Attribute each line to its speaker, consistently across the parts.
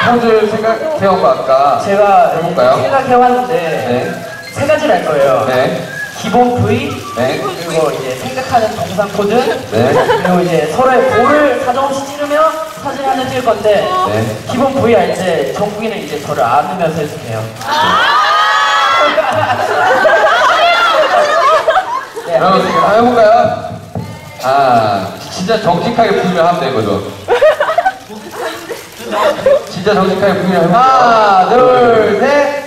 Speaker 1: 포즈 생각해온 거 아까
Speaker 2: 제가
Speaker 1: 해볼까요?
Speaker 2: 생각해왔는데
Speaker 1: 네.
Speaker 2: 세 가지를 할 거예요.
Speaker 1: 네.
Speaker 2: 기본 V,
Speaker 1: 네.
Speaker 2: 그리고 이제 생각하는 동상 포즈,
Speaker 1: 네.
Speaker 2: 그리고 이제 서로의 볼을 사정없이 찌르며 사진 하나 찍을 건데
Speaker 1: 네.
Speaker 2: 기본 V 할 때 정국이는 이제 저를 안으면서 해주세요. 네,
Speaker 1: 그럼 한번 해볼까요? 진짜 정직하게 부르면 하면 되거든. 진짜 정직하게 부르면 해볼게요.
Speaker 2: 하나, 둘, 셋.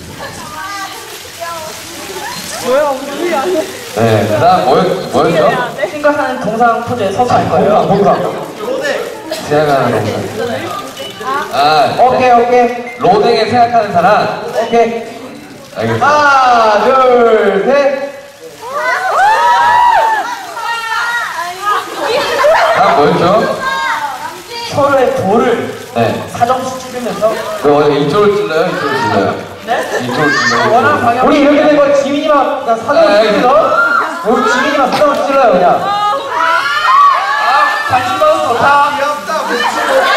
Speaker 1: 네. 그 다음 뭐였죠?
Speaker 2: 생각하는 동상 포즈에 서서 할 거예요.
Speaker 1: 생각하는 동상.
Speaker 2: 오케이.
Speaker 1: 로댕에 생각하는 사람.
Speaker 2: 오케이.
Speaker 1: 알겠습니다.
Speaker 2: 하나, 둘, 셋.
Speaker 1: 다음 뭐였죠?
Speaker 2: 서로의 볼을
Speaker 1: 네.
Speaker 2: 사정없이 찌르면서.
Speaker 1: 이쪽을 찔러요? 이쪽을 찔러요?
Speaker 2: 네?
Speaker 1: 이쪽을 찔러요?
Speaker 2: 원하는 방향. 우리 이렇게 된 거 지민이만 그냥 사정없이 찔러. 우리 지민이만 사정없이 찔러요 그냥. 관심 받아서 좋다.
Speaker 3: 귀엽다.